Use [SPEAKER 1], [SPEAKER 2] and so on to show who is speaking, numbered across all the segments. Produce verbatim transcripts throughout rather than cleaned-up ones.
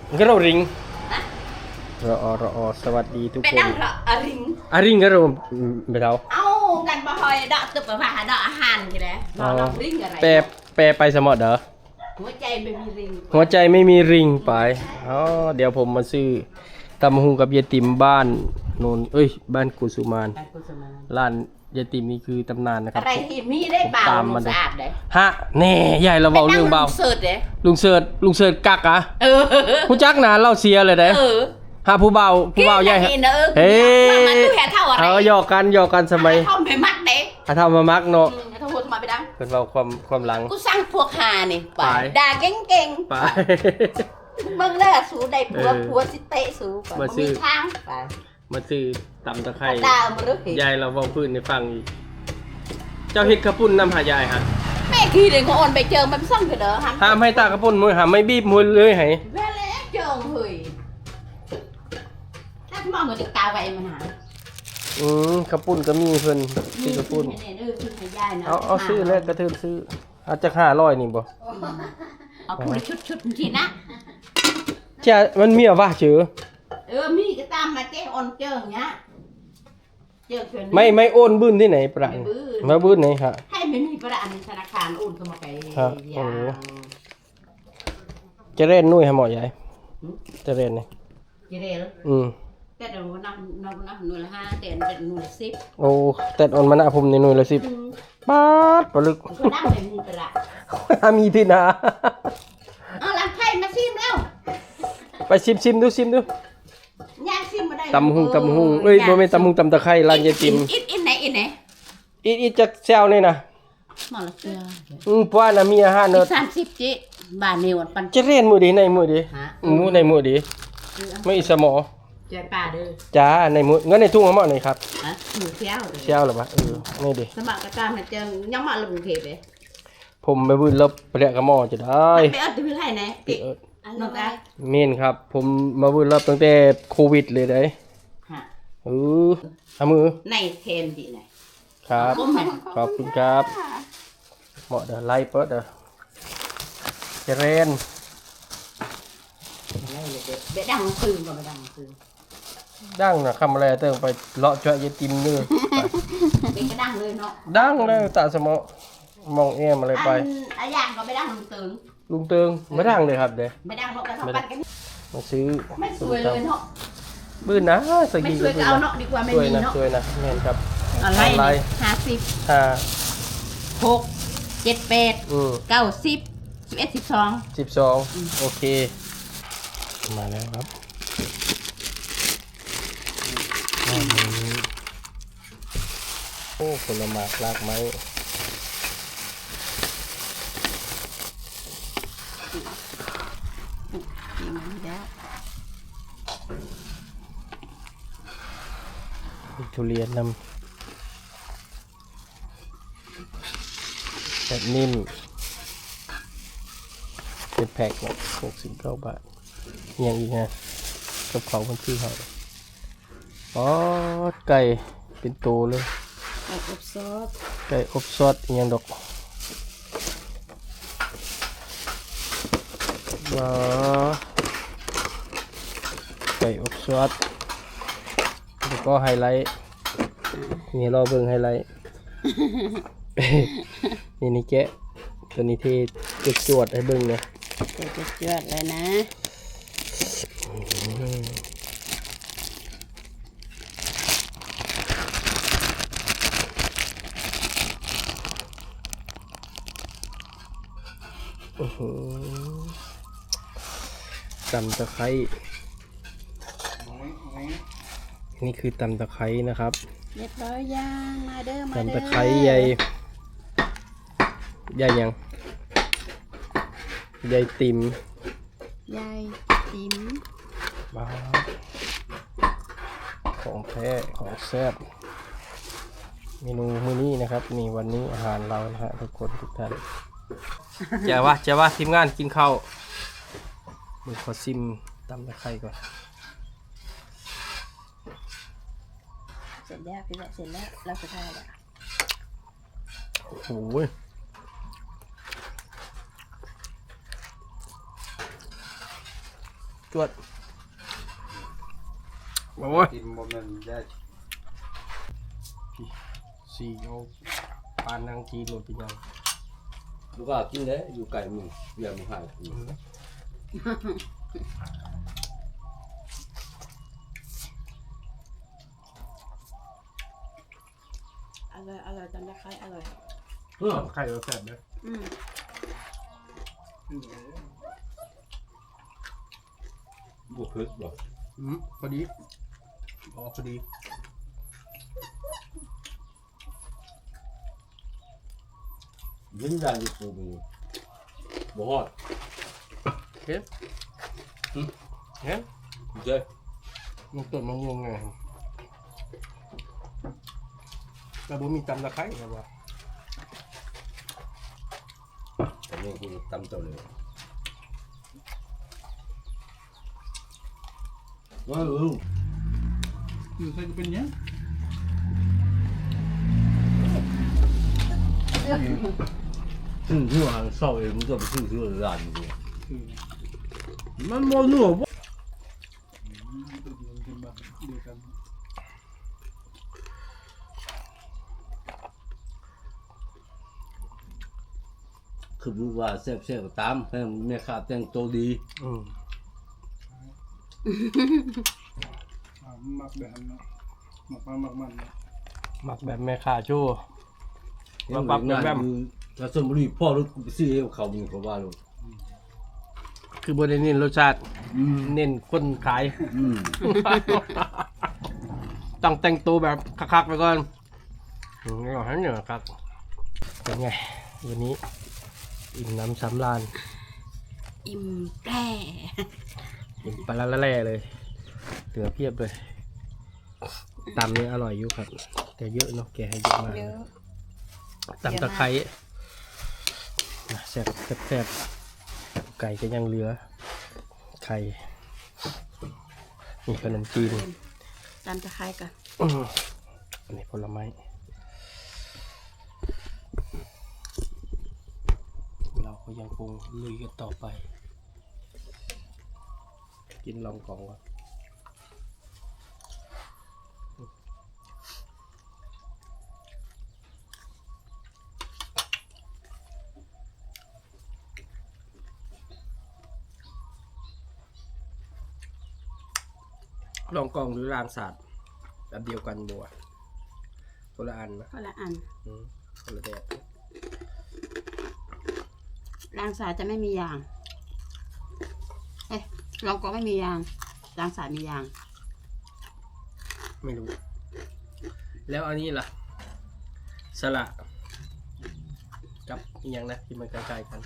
[SPEAKER 1] ก็เราริงรอรอสวัสดีทุกคนเป็นดังระอริงอริงก็เราไปเท่า
[SPEAKER 2] เอ้ากันบ่ฮอยดอกตึบไปว่าดอกอาหารกันเลยรอเราริงอะไร
[SPEAKER 1] แปรแปรไปสมอเด้อ
[SPEAKER 2] หัวใจไม่มีริง
[SPEAKER 1] หัวใจไม่มีริงไปอ๋อเดี๋ยวผมมาซื้อตำหุงกับยายติ๋มบ้านโนนเอ้ยบ้านกุสุมานร้านยายติ๋มนี่คือตำนานนะครับ
[SPEAKER 2] อะไรที่มีได้เบาลุงสะอาดเลย
[SPEAKER 1] ฮะแน่ใหญ่เราเบาเรื่องเบา
[SPEAKER 2] ลุงเสิร์ชเลย
[SPEAKER 1] ลุงเสิร์ชลุงเสิร์ชกักอะผู้จักนะเราเสียเลยเด้ฮะผู้เบาผู้เบาใหญ่
[SPEAKER 2] เฮ้ยมันตู้แห่เท่าอะไร
[SPEAKER 1] เออหยอกกันหยอกกันสมัย
[SPEAKER 2] ทำไปมักเด้
[SPEAKER 1] ถ้าทำมามักเนาะ
[SPEAKER 2] ทำหัวทำไมไปดัง
[SPEAKER 1] เป็นเบาความความหลัง
[SPEAKER 2] กูสร้างพวกหานี่ไปด่าเก่ง
[SPEAKER 1] ๆไป
[SPEAKER 2] มึงได้สูได้ผัวผัวสิเตะสูมาซื้อทางไป
[SPEAKER 1] มาซื้อตำตะไคร้
[SPEAKER 2] ดาวมาลึก
[SPEAKER 1] ยายเราบอกพื้นในฟังอีกเจ้าเฮ็ดกระปุ่นน้ำหายายฮะ
[SPEAKER 2] แม่ขี้เด็กของอ่อนไปเจอมันซ่องกันเด้อ
[SPEAKER 1] ห้ามให้ตากระปุ่นมือห้ามไม่บีบมือเลยให้
[SPEAKER 2] แม่เล็กเจอเฮ้ยถ้ามองมันจะตาไว้มันหา
[SPEAKER 1] อืมกระปุ่นก็มีเพิ่นซื้อกระปุ่นเอาเอาซื้อแล้วกระเทินซื้ออาจจะห้าร้อยนี่บ่
[SPEAKER 2] เอาพูดชุดชุดทีนะ
[SPEAKER 1] เจ้ามันมีอะวะเจอ
[SPEAKER 2] เออมีก็ตามมาเจ้อ่อนเจอเงี้ย
[SPEAKER 1] ไม่ไม่โอนบื้นที่ไหนประมาบื้นไหนฮะ
[SPEAKER 2] ให้ไม่มีประอันธนาคารโอนเข้ามาไป
[SPEAKER 1] โอ้จะเล่นนุ่ยฮะหมอใหญ่จะเล่นนี่
[SPEAKER 2] จะเล่น
[SPEAKER 1] อืม
[SPEAKER 2] แต่เดี๋ยวนับนับนับหน่วยละห้าแต่เป็นหน่วยละสิบ
[SPEAKER 1] โอ้แต่ออนมาหน้าผมในหน่วยละสิบปาดปลึก
[SPEAKER 2] ก็ได้เลยมีประ
[SPEAKER 1] มีที่นา
[SPEAKER 2] เอาลำไผ่มาซิมแล้ว
[SPEAKER 1] ไปซิมซิมดูซิมดู
[SPEAKER 2] ย่างซิมมาได้
[SPEAKER 1] ตำหุงตำหุงเอ้ยบ่แม่นตำหุงตำตะไคร้ร้านยายติ๋ม
[SPEAKER 2] อิดอิดไหนอิดไหน
[SPEAKER 1] อิดอิดจะแซวนี่นะ
[SPEAKER 2] หมอละเสือ
[SPEAKER 1] อืมป้าน่ะมีอาหารเนาะ
[SPEAKER 2] สามสิบจิบาทนี่วันปัน
[SPEAKER 1] จะเล่นมื้อดีในมื้อดีมื้อในมื้อดีไม่สมอ
[SPEAKER 2] ใจป่าเด้อ
[SPEAKER 1] จ้าในมื้องั้นในทุ่งเอาหม้อไหนครับ
[SPEAKER 2] ฮะหมูแซว
[SPEAKER 1] แซวหรอวะเออนี่ดิ
[SPEAKER 2] สมัครกระตามให้เจังยังมาลงเทปเลย
[SPEAKER 1] ผมไปบื้นลบไปเรียกกับหม้อจะได้
[SPEAKER 2] ไปเอิ้นที่ไหนไหนติน้องตา
[SPEAKER 1] เมนครับผมมาบื้นลบตั้งแต่โควิดเลยเด้ฮะเออเอามือ
[SPEAKER 2] ในเทนดิไหน
[SPEAKER 1] ครับขอบคุณครับเหมาะเด้อไล่เปิดเด้อเจริญ
[SPEAKER 2] เด็ดดังคืนก็ไม่ดังคืน
[SPEAKER 1] ดังนะคำอะไรเติมไปเลาะเจาะยาติมเนื้อ
[SPEAKER 2] เป็นก็ดังเลยเนาะ
[SPEAKER 1] ดังเลยตาสมอมองเอ็มอะไรไป
[SPEAKER 2] อันอย่างก็ไม่ดังลุงเติง
[SPEAKER 1] ลุงเติงไม่ดังเลยครับเด้
[SPEAKER 2] ไม่ดังเนาะกระทบกัน
[SPEAKER 1] มาซื้อ
[SPEAKER 2] ไม่สวยเลยเนาะ
[SPEAKER 1] บื้นนะ
[SPEAKER 2] สกีก็บื้นเอาเนาะดีกว่าไม่มีเนาะ
[SPEAKER 1] สวยนะแม่นครับ
[SPEAKER 2] อะไรห้าสิบ
[SPEAKER 1] ห้า
[SPEAKER 2] หกเจ็ดแปดเก้าสิบสิบเอ็ดสิบสอง
[SPEAKER 1] สิบสองโอเคมาแล้วครับโอ้ผลไม้รากไม้ทุเรียนนำแบบนิ่มเป็นแพ็คนะหกสิบเก้าบาทยังอีกนะกับเขาคนชื่อเขาอ๋อไก่เป็นโตเลย
[SPEAKER 2] ไก่อบซอส
[SPEAKER 1] ไก่อบซอสยังดอกว้าไก่อบซอสแล้วก็ไฮไลท์นี่รอเบิ่งไฮไลท์นี่นี่แกะตัวนี้ที่จุดจวดให้เบิ่งเนี่ย
[SPEAKER 2] จุดจวดเลยนะ
[SPEAKER 1] โอ้โหตำตะไคร้นี่คือตำตะไคร้นะครับ
[SPEAKER 2] เรียบร้อยย่างมาเด้อมาเด้อ
[SPEAKER 1] ตำตะไคร้ใหญ่ใหญ่ยังใหญ่ติ๋ม
[SPEAKER 2] ใหญ่ติ๋ม
[SPEAKER 1] บ้าของแท้ของแซ่บเมนูมื้อนี้นะครับนี่วันนี้อาหารเรานะฮะทุกคนทุกท่านเจ้าว่าเจ้าว่าทีมงานกินข้าวมือขอซิมตำตะไคร้ก่อน
[SPEAKER 2] เสร็จแล้วพี่เสร็จแล้วเราจะทานแล้ว
[SPEAKER 1] โอ้โหจวดมาโว้ย
[SPEAKER 3] กินบ่แม่นได้
[SPEAKER 1] สี่เอาปานนางจีนหมดไปยัง
[SPEAKER 4] ลูกก็กินได้อยู่ไก่มึงเบียร์มึงให้
[SPEAKER 2] อร่อยอร่อยจำได้ใครอร่อย
[SPEAKER 4] เออ
[SPEAKER 1] ไข่เราแซ่บเลย
[SPEAKER 2] อืม
[SPEAKER 4] บวกขึ้นบ่
[SPEAKER 1] อืมพอดีอ๋อพอดี
[SPEAKER 4] ยินยันอยู่ปูมึงบ่ฮอด
[SPEAKER 1] เฮ้ยเฮ้ย
[SPEAKER 4] เจ้
[SPEAKER 1] มันต้นมะม่วงไงแต่บ่มีตำตะไคร้ครับว่า
[SPEAKER 4] อันนี้กูตำเจ้าเลยว้าว
[SPEAKER 3] อยู่ใส่ก็เป็นหยัง
[SPEAKER 4] ซึ่งที่ว่าเศร้าเองมึงก็ไปซื้อซื้อร้านมึง
[SPEAKER 3] คือ
[SPEAKER 4] มันบ่นัวบ่
[SPEAKER 3] ตัวเดียวกันบ้างเดียวกัน
[SPEAKER 4] คือรู้ว่าแซ่บๆก็ตามให้แม่ค้าแต่งตัวดี
[SPEAKER 1] อืม
[SPEAKER 3] อ่ามักแบบนั้นเนาะมักมามักมันเนาะ
[SPEAKER 1] หมักแบบแม่ค้าโจ้
[SPEAKER 4] เห็นแบบนั้นอยู่ถ้าสมมุติพ่อรถกูไปซื้อให้เขามึงก็ว่าลูก
[SPEAKER 1] คือบ่ได้เน้นรสชาติ
[SPEAKER 4] อืม
[SPEAKER 1] เน้นคนขาย
[SPEAKER 4] อืม
[SPEAKER 1] ต้องแต่งตัวแบบคักๆไปก่อนอืมนี่ก็หันเหนือครับเป็นไงวันนี้อิ่มน้ำสำราญ
[SPEAKER 2] อิ่มแปร่
[SPEAKER 1] อิ่มปลาละแล่เลยเหลือเพียบเลยตำนี่อร่อยอยู่ครับ แต่เยอะเนาะแกให้เยอะมาก
[SPEAKER 2] เยอะ
[SPEAKER 1] ตำตะไคร้นะแซ่บแซ่บไก่ก็ยังเหลือไข่มีขนมจีน
[SPEAKER 2] จำจะใครกัน
[SPEAKER 1] อื้ออันนี้ผลไม้เราก็ยังคงลุยกันต่อไป กินลองกองก่อนลองกองหรือรางศาสตร์แบบเดียวกันบัวคนละอันนะ
[SPEAKER 2] ก็ละอัน
[SPEAKER 1] อืมคนละแบบ
[SPEAKER 2] รางสายจะไม่มียาง เอ้ยลองก็ไม่มียางรางสายมียาง
[SPEAKER 1] ไม่รู้ แล้วอันนี้ล่ะ สละกับอหย่างนะที่มันใกล้ๆกัน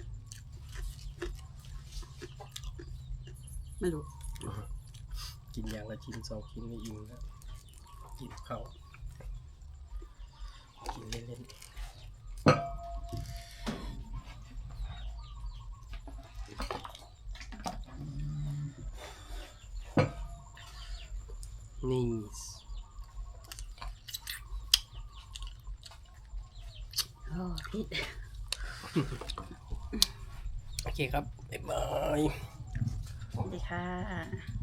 [SPEAKER 2] ไม่รู้
[SPEAKER 1] กินอย่างละชิ้นสองชิ้นไม่อิ่มแล้วกินข้าวกินเล่นๆนี่
[SPEAKER 2] โอ้พิษ
[SPEAKER 1] โอเคครับ บ๊ายบาย
[SPEAKER 2] สวัสดีค่ะ